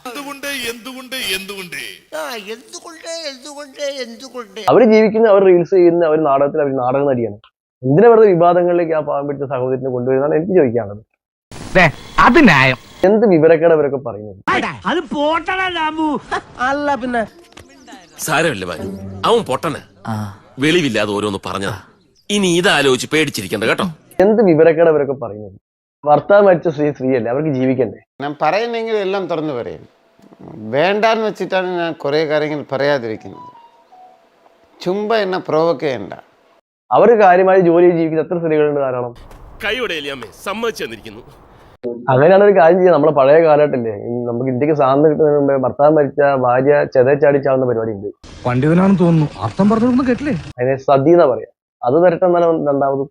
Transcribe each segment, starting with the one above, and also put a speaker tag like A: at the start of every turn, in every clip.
A: അവര് ജീവിക്കുന്ന, അവർ റീൽസ് ചെയ്യുന്ന, അവർ നാടകത്തിൽ, അവർ നാടക നടിയാണ്. എന്തിനാ വെറുതെ വിവാദങ്ങളിലേക്ക് ആ പാവം പിടിച്ച സഹോദരനെ കൊണ്ടുവരുന്നതാണ് എനിക്ക് ചോദിക്കാനുള്ളത്.
B: അത് ന്യായം.
A: എന്ത് വിവരക്കേട് അവരൊക്കെ പറയുന്നത്.
B: അല്ല പിന്നെ
C: സാരമില്ല ബാലു, അവൻ പൊട്ടന് വെളിവില്ലാതെ ഓരോന്ന് പറഞ്ഞതാ. ഇനി ഇതാലോചിച്ച് പേടിച്ചിരിക്കണ്ട കേട്ടോ.
A: എന്ത് വിവരക്കേട് അവരൊക്കെ പറയുന്നത്. ഭർത്താവ് മരിച്ച സ്ത്രീയല്ലേ, അവർക്ക് ജീവിക്കണ്ടേ.
D: ഞാൻ പറയുന്നെങ്കിൽ എല്ലാം തുറന്നു പറയും. വേണ്ടാന്ന് വെച്ചിട്ടാണ് ഞാൻ കുറേ കാര്യങ്ങൾ പറയാതിരിക്കുന്നത്. ചുമ്പ എന്നെ പ്രൊവോക്ക് ചെയ്യണ്ട.
A: അവർ കാര്യമായി ജോലി ജീവിക്കുന്ന എത്ര സ്ത്രീകളുണ്ട് ധാരാളം.
C: കൈയോടെയല്ലേ അമ്മേ സമ്മതിച്ചു തന്നിരിക്കുന്നു.
A: അങ്ങനെയാണ് ഒരു കാര്യം ചെയ്യുക. നമ്മളെ പഴയ കാലഘട്ടല്ലേ, നമുക്ക് ഇന്ത്യക്ക് സ്വാതന്ത്ര്യം കിട്ടുന്നതിന് മുമ്പേ ഭർത്താവ് മരിച്ച ഭാര്യ ചെതച്ചാടിച്ചാവുന്ന പരിപാടി ഉണ്ട്.
B: പണ്ഡിതനാണെന്ന് തോന്നുന്നു, അർത്ഥം പറഞ്ഞൊന്നും കേട്ടില്ലേ.
A: അതിനെ സതി എന്നാ പറയാ. അത് വരട്ടെ എന്നാലും രണ്ടാമതും.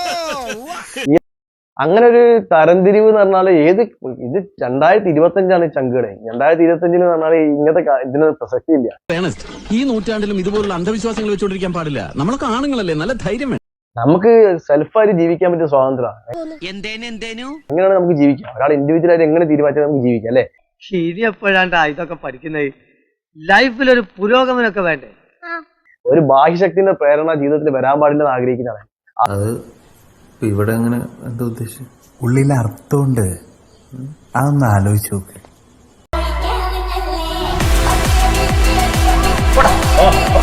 A: അങ്ങനെ ഒരു തരംതിരിവ് എന്ന് പറഞ്ഞാല് ഇത് 2025 ചങ്കുകളെ. 2025 എന്ന് പറഞ്ഞാല് ഇങ്ങനത്തെ ഇതിന് പ്രസക്തി ഇല്ല.
E: ഈ നൂറ്റാണ്ടിലും ഇതുപോലുള്ള അന്ധവിശ്വാസങ്ങൾ വെച്ചോണ്ടിരിക്കാൻ പാടില്ല. നമ്മളൊക്കെ ആണുങ്ങളല്ലേ, നല്ല ധൈര്യം വേണം.
A: നമുക്ക് സെൽഫായിട്ട് ജീവിക്കാൻ പറ്റിയ സ്വാതന്ത്ര്യം എങ്ങനെയാണ് നമുക്ക് ജീവിക്കാം. ഒരാൾ ഇൻഡിവിജ്വൽ ആയിട്ട് എങ്ങനെ തീരുമാനിച്ചാൽ നമുക്ക് ജീവിക്കാം അല്ലെ.
F: ശരി, എപ്പോഴാണ്ടാ ഇതൊക്കെ പഠിക്കുന്നത്? ലൈഫിലൊരു പുരോഗമനമൊക്കെ വേണ്ടേ?
A: ഒരു ബാഹ്യശക്തിന്റെ പ്രേരണ ജീവിതത്തിൽ വരാൻ പാടില്ലെന്ന് ആഗ്രഹിക്കുന്നതാണ്.
G: അത് ഇവിടെ അങ്ങനെ എന്താ ഉദ്ദേശിച്ചു?
H: ഉള്ളിൽ അർത്ഥമുണ്ട്, അതൊന്ന് ആലോചിച്ച് നോക്ക്.